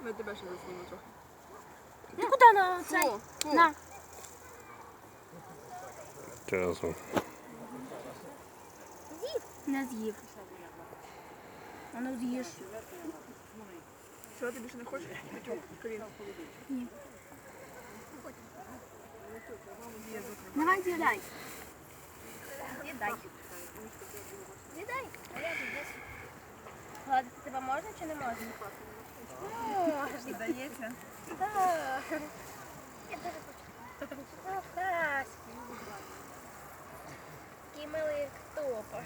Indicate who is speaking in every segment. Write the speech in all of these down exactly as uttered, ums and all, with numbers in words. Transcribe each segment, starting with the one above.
Speaker 1: Ми тебе ще заснімемо трохи.
Speaker 2: Ти куди на цей?
Speaker 1: Фу, фу.
Speaker 2: На.
Speaker 3: Часом.
Speaker 2: З'їв? Не з'їв. А ну з'їж.
Speaker 1: Що, ти більше не хочеш? Петюк, Каріна.
Speaker 2: Ні. Давай з'їдай. З'їдай. З'їдай. А я тут десь. Гладити тебе можна чи не можна? Можна.
Speaker 1: Здається.
Speaker 2: Так. Я дуже хочу. Так. Такий милий топа.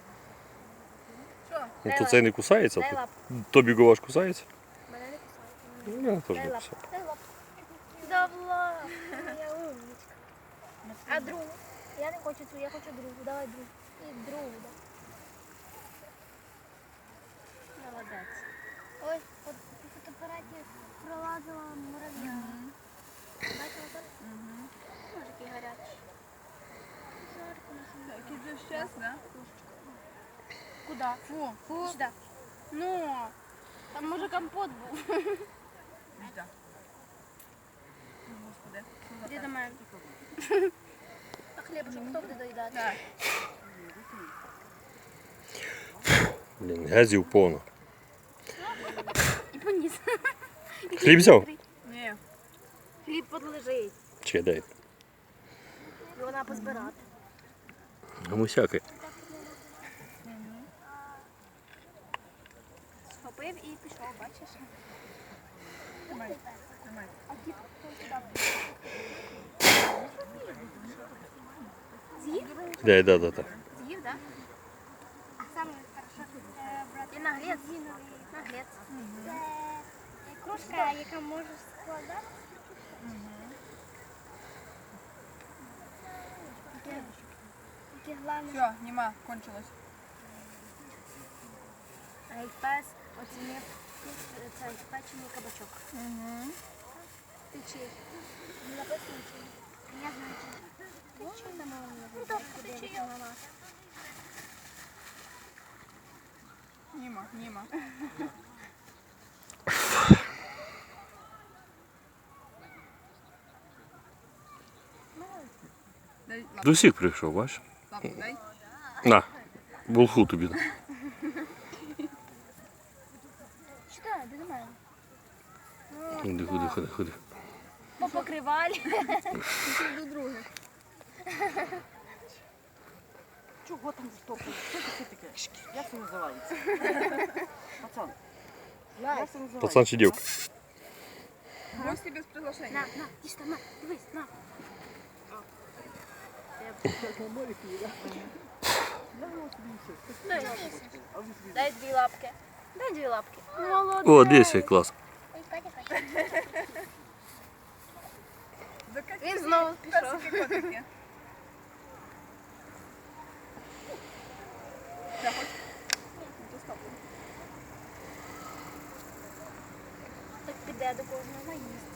Speaker 2: Що?
Speaker 3: Ну, то цей не кусається?
Speaker 2: Дай
Speaker 3: то-
Speaker 2: лапу.
Speaker 3: Тобі Гуваш кусається?
Speaker 2: Мене не кусають.
Speaker 3: Ну, я теж
Speaker 2: Дай
Speaker 3: не
Speaker 2: лапу.
Speaker 3: кусав.
Speaker 2: Дай лапу. Давай. Я умничка. А другу? Я не хочу цю, я хочу другу. Давай другу. І другу. Да. Молодець. Ой, от у фотоапараті пролазила мурав'я. Бачила так?
Speaker 1: Угу.
Speaker 2: Може, який гарячий. Жарко на сонці.
Speaker 1: Який вже щас, да?
Speaker 2: Куди? Фу. Фу. Сюди. Ну, там може компот був.
Speaker 1: Да. Господи.
Speaker 2: Іди до мене. А хлібушок хто буде доїдати?
Speaker 1: Так.
Speaker 3: Блін, газів повно.
Speaker 2: І поніс.
Speaker 3: Хліб взяв?
Speaker 1: Ні.
Speaker 2: Хліб подлежить.
Speaker 3: Чи дай?
Speaker 2: І вона позбирати.
Speaker 3: Гамусяки.
Speaker 2: Схопив і пішов, бачиш?
Speaker 1: Тримай. Тримай.
Speaker 2: А кіт хто сюди? З'їв?
Speaker 3: Дай, да, да, да.
Speaker 2: З'їв, так? А саме хорошо брати наглець. Наглець. Це кружка, яка може складати. Таке головне.
Speaker 1: Все, нема, кончилось.
Speaker 2: А як пес оцінив цей печений кабачок.
Speaker 1: Угу.
Speaker 2: Ти чий? Не написано чий. Я знаю чий. Ти чий на маму? Ну так, ти чий на нас.
Speaker 1: Німа, Німа. Дай лапу.
Speaker 3: До всіх прийшов, бачиш?
Speaker 1: Лапу дай.
Speaker 3: На, булху тобі.
Speaker 2: Читай, ти до мене.
Speaker 3: Ходи, ходи, ходи, ходи.
Speaker 2: Попокривали.
Speaker 1: До друге.
Speaker 4: Чого там стопить? Що це таке? Як це називається? Пацан. Як це називається?
Speaker 3: Пацан чи дівка?
Speaker 1: Гості без
Speaker 2: На,
Speaker 1: приглашення.
Speaker 2: на, ти там, на, дивись, на. Дай дві лапки. Дай дві лапки. Молодець.
Speaker 3: О, дивися, клас.
Speaker 2: Він знову пішов.
Speaker 1: Персики котики. Ще хоч? Ну, то стоп.
Speaker 2: Так піде до кожного наїсть.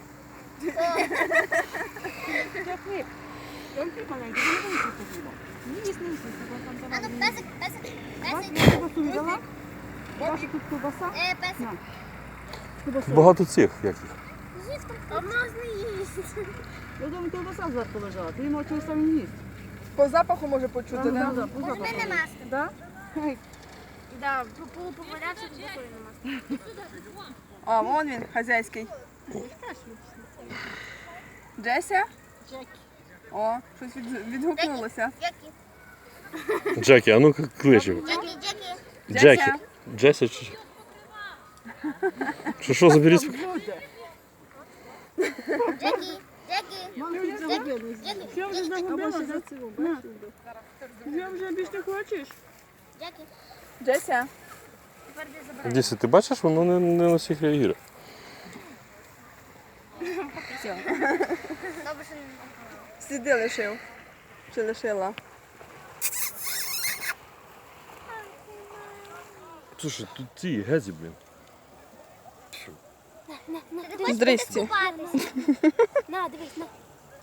Speaker 4: Хліб. Там хліб маленький, не вийшов хліба. Не їсть, не їсть, там
Speaker 2: А ну,
Speaker 4: давай.
Speaker 2: песик, песик,
Speaker 4: Бачиш,
Speaker 2: песик.
Speaker 4: я ковбасу взяла. Бачиш, тут ковбаса.
Speaker 2: Е, песик.
Speaker 4: Ковбасу.
Speaker 3: Багато цих, як їх.
Speaker 2: Їсть там. А в нас не їсть.
Speaker 4: Я думаю, ковбаса зверху лежала. Ти йому чогось там не їсть.
Speaker 1: По запаху може почути,
Speaker 4: Да,
Speaker 1: да?
Speaker 4: да, по запаху.
Speaker 2: Ми не маски.
Speaker 4: Да? Ей,
Speaker 2: Да, по попадався до такої не маски.
Speaker 1: А, вон він, хазяйський. Джеся?
Speaker 2: Джекі.
Speaker 1: О, щось від- відгукнулося.
Speaker 2: Джекі.
Speaker 3: Джекі, а ну-ка клич його.
Speaker 2: Джекі, Джекі.
Speaker 3: Джекі. Джеся чи... Що, що, заберіть?
Speaker 4: люди.
Speaker 2: Джекі, Джекі.
Speaker 4: Мам, ти загубилась.
Speaker 2: Джекі,
Speaker 4: Що вже загубилася за цього? Бачиш? Я вже більш не хочеш?
Speaker 2: Джекі.
Speaker 1: Джеся?
Speaker 2: Тепер де забирай.
Speaker 3: Дійсно, ти бачиш, воно не, не на всіх реагує.
Speaker 1: Все.
Speaker 2: Добре, що не
Speaker 1: Сліди лишив. Чи лишила?
Speaker 3: Слушай, тут ці газі, блін.
Speaker 1: Здрасте.
Speaker 2: На, дивись, на.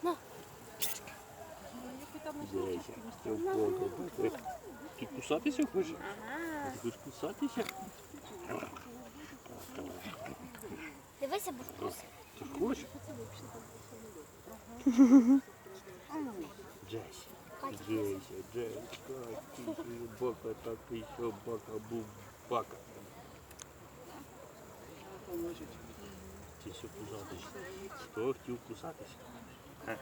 Speaker 3: Ти кусатися хочеш? Ти хочеш кусатися?
Speaker 2: Дивися, бо вкус.
Speaker 3: Ти ж хочеш? Джесі. Джесі, Джесі, так, ти бака, так, і ще бака, бубака. Ти що кусатись? Хто хотів кусатись? Ха?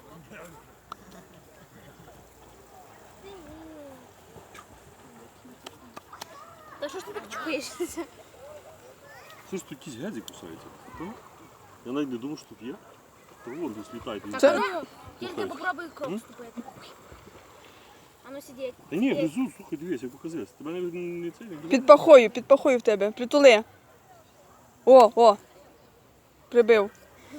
Speaker 2: Та що ж ти так чухаєшся?
Speaker 3: Слушай, тут якісь гедзи кусаються. Та? Я навіть не думав, що тут є. Та вон десь літають. і
Speaker 1: Це-
Speaker 3: літають.
Speaker 2: Ну, тільки
Speaker 3: Слухай.
Speaker 2: попробуй кров
Speaker 3: М?
Speaker 2: вступити. А ну сидіть.
Speaker 3: Та ні, внизу, слухай, дивись, я показався. Тебе не, не це не
Speaker 1: Під пахою, під пахою в тебе. Притули. О, о. Прибив.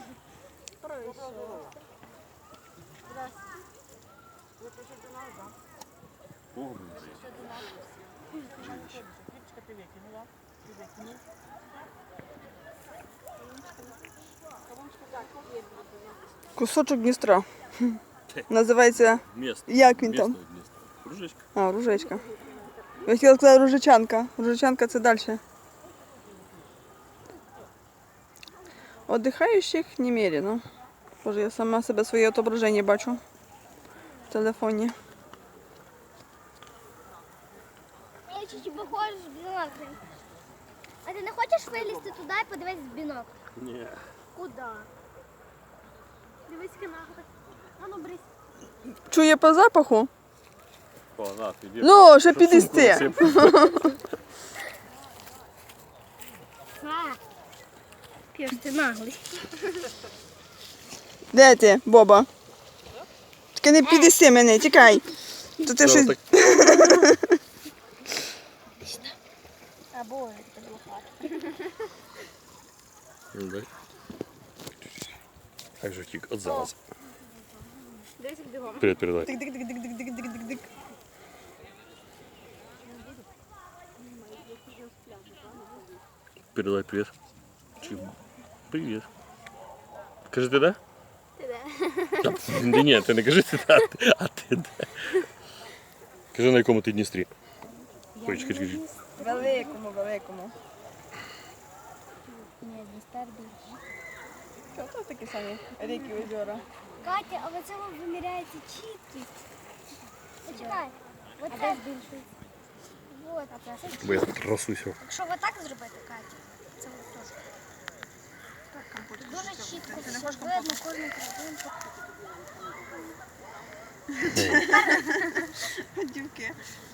Speaker 3: О, блін.
Speaker 4: Річка ти викинула. Ти викинув.
Speaker 1: Кусочок Дністра. Називається,
Speaker 3: Місто.
Speaker 1: як він там?
Speaker 3: Місто, місто. Кружечка.
Speaker 1: А, ружечка. Я хотіла сказати ружичанка. Ружичанка це далі. Отдихаючих немерено. Боже, я сама себе своє отображення бачу в телефоні.
Speaker 2: Я чуть похожа в бінокль. А ти не хочеш вилізти туди і подивитися в бінокль?
Speaker 3: Ні.
Speaker 2: Куди? Дивись нахуй. А ну брись.
Speaker 1: Чує по запаху?
Speaker 3: О, на, піди.
Speaker 1: Ну, ще
Speaker 3: Щоб
Speaker 1: підісти.
Speaker 3: сумку насип.
Speaker 2: А, п'єш ти наглий.
Speaker 1: Де ти, Боба? Тільки не підісти мене, тікай. То ти
Speaker 3: Що,
Speaker 1: щось...
Speaker 3: так?
Speaker 2: А боже, це блокад.
Speaker 3: Ну, дай. Як же втік? От зараз.
Speaker 2: Дивись, як бігом.
Speaker 3: Привіт, передай.
Speaker 1: Дик-дик-дик-дик-дик-дик-дик-дик.
Speaker 3: Передай привіт. Чи- Привіт. Кажи ти де?
Speaker 2: Ти де?
Speaker 3: Та, Ні, ні, ти не кажи ти де, а ти- а ти де. Кажи, на якому ти Дністрі. Ой, чекай, чекай, чекай.
Speaker 1: Великому, великому.
Speaker 2: Ні, Дністер більше.
Speaker 1: Що то такі самі ріки, озера?
Speaker 2: Катя, а в цьому виміряється чіткість. Почекай. Оце збільшується. Вот, а це
Speaker 3: Бо я тут красуся.
Speaker 2: Якщо отак зробити, Катя, це от теж. Дуже чітко все видно, кожну країнку.
Speaker 1: Дівки.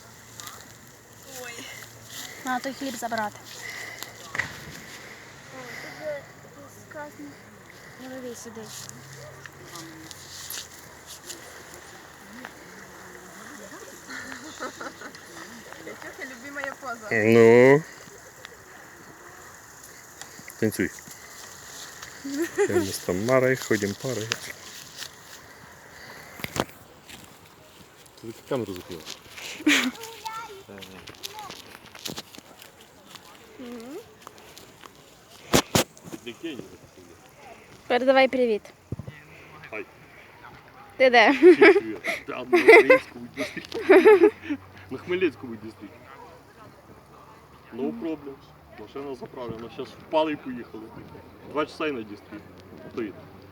Speaker 2: Треба той хліб забрати. Тут сказано. Голові сидить.
Speaker 1: Катюха, любимая поза.
Speaker 3: Ну. Танцюй. Мы с Тамарой ходим парой. Ты камеру закрыл.
Speaker 2: Передавай привіт.
Speaker 3: Хай.
Speaker 2: Ти де?
Speaker 3: Да, на Хмельницкому дистрикте. На Хмельницкому дистрикте. No problem. Машина заправлена. Сейчас впали и поехали. Два часа и на дистрикт. Стоит.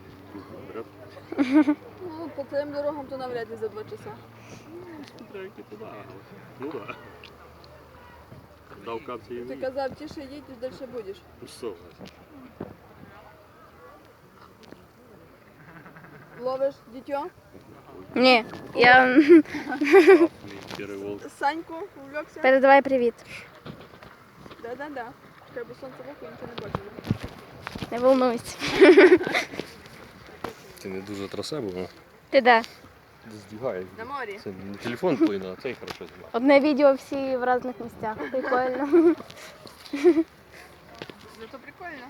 Speaker 1: Ну, по цим дорогам то навряд ли за два часа.
Speaker 3: Смотря які туди. Ну да. Дав капці і
Speaker 1: Ти казав, тише їдь, і далі будеш.
Speaker 3: Ну що?
Speaker 1: Ловиш дитё?
Speaker 2: Ні, я
Speaker 3: Перевол.
Speaker 1: Саньку увлекся?
Speaker 2: передавай привіт.
Speaker 1: Да-да-да. Чекай, бо сонце в око, нічого не бачу.
Speaker 2: Не волнуйся.
Speaker 3: Це не дуже трасе було.
Speaker 2: Ти де?
Speaker 3: Здвігає.
Speaker 1: На морі.
Speaker 3: Це не телефон твій, на цей хорошо знімає.
Speaker 2: Одне відео всі в різних місцях. Прикольно.
Speaker 1: Зато прикольно.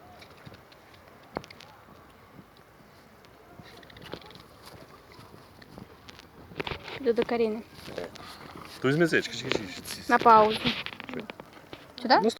Speaker 2: Йду до Каріни.
Speaker 3: То візьми цей, чекай, чекай, чекай.
Speaker 2: На паузу. Сюди?